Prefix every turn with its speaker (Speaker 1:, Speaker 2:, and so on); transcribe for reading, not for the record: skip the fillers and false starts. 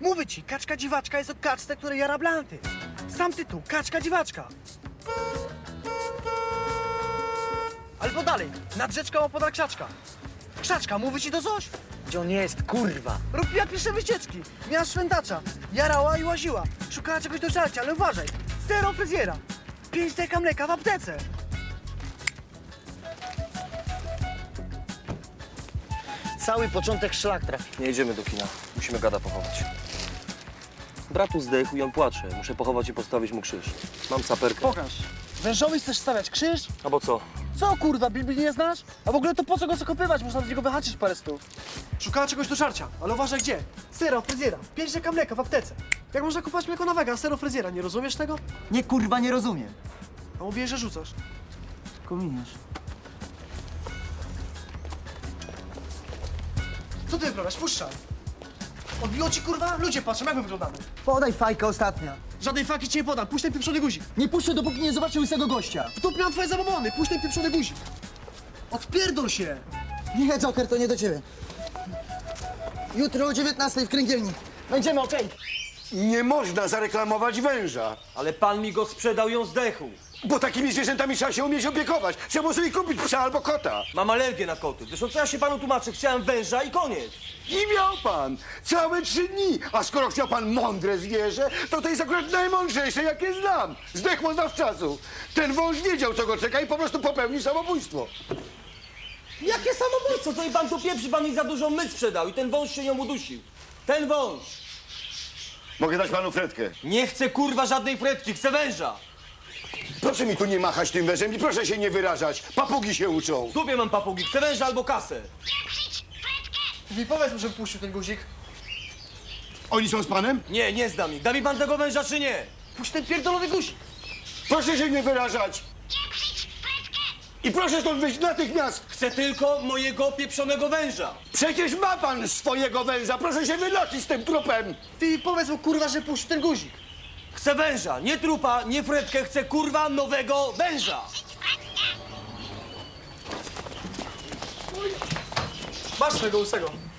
Speaker 1: Mówię ci, kaczka dziwaczka jest o kaczce, której jara blanty. Sam tytuł, kaczka dziwaczka. Albo dalej, nad rzeczką opodal krzaczka. Krzaczka, mówi ci to coś?
Speaker 2: Gdzie on jest, kurwa?
Speaker 1: Robiła pierwsze wycieczki, miała szwendacza, jarała i łaziła. Szukała czegoś do żarcia, ale uważaj, zero fryzjera. 5 deka mleka w aptece.
Speaker 2: Cały początek szlak trafi.
Speaker 3: Nie idziemy do kina. Musimy gada pochować. Bratu zdechł i on płacze. Muszę pochować i postawić mu krzyż. Mam saperkę.
Speaker 1: Pokaż. Wężowi chcesz stawiać krzyż?
Speaker 3: Albo co?
Speaker 1: Co kurwa, Biblii nie znasz? A w ogóle to po co go zakopywać? Można z niego wyhaczyć parę stów. Szukała czegoś do żarcia, ale uważaj gdzie. Sera, fryzjera, 5 deka mleka w aptece. Jak można kupować mleko na wega, a sero fryzjera, nie rozumiesz tego?
Speaker 2: Nie, kurwa, nie rozumiem.
Speaker 1: A mówię, że rzucasz.
Speaker 2: Kominiesz.
Speaker 1: Co ty wyprawiasz? Puszczaj. Odbiło ci kurwa? Ludzie patrzą, jak my wyglądamy.
Speaker 2: Podaj fajkę ostatnia.
Speaker 1: Żadnej faki ci nie podam, puść ten pieprzony guzik.
Speaker 2: Nie puszczę, dopóki nie zobaczę łysego gościa.
Speaker 1: W dupie mam twoje zabobony, puść ten pieprzony guzik. Odpierdol się.
Speaker 2: Nie, Joker, to nie do ciebie. Jutro o 19 w kręgielni. Będziemy, okej?
Speaker 4: Nie można zareklamować węża,
Speaker 3: Ale pan mi go sprzedał i on zdechł.
Speaker 4: bo takimi zwierzętami trzeba się umieć opiekować. Trzeba sobie kupić psa albo kota.
Speaker 3: Mam alergię na koty. Zresztą co ja się panu tłumaczę? Chciałem węża i koniec.
Speaker 4: I miał pan całe 3 dni. A skoro chciał pan mądre zwierzę, to jest akurat najmądrzejsze, jakie znam. Zdechło zawczasu. Ten wąż wiedział, co go czeka i po prostu popełnił samobójstwo.
Speaker 3: Jakie samobójstwo? Co i pan tu pieprzy? Pan mi za dużo myć sprzedał i ten wąż się nią udusił. Ten wąż.
Speaker 4: Mogę dać panu fretkę?
Speaker 3: Nie chcę kurwa żadnej fretki, chcę węża.
Speaker 4: Proszę mi tu nie machać tym wężem i proszę się nie wyrażać. Papugi się uczą.
Speaker 3: W dupie mam papugi, chcę węża albo kasę.
Speaker 1: Mi powiedz mu, żeby puścił ten guzik.
Speaker 4: Oni są z panem?
Speaker 3: Nie, nie znam ich. Da mi pan tego węża czy nie?
Speaker 1: Puść ten pierdolony guzik.
Speaker 4: Proszę się nie wyrażać. I proszę stąd wyjść natychmiast.
Speaker 3: Chcę tylko mojego pieprzonego węża.
Speaker 4: Przecież ma pan swojego węża. Proszę się wynosić z tym trupem.
Speaker 1: Ty powiedz mu kurwa, że puścił ten guzik.
Speaker 3: Chcę węża, nie trupa, nie fretkę, chcę kurwa nowego węża.
Speaker 1: Masz swojego łysego.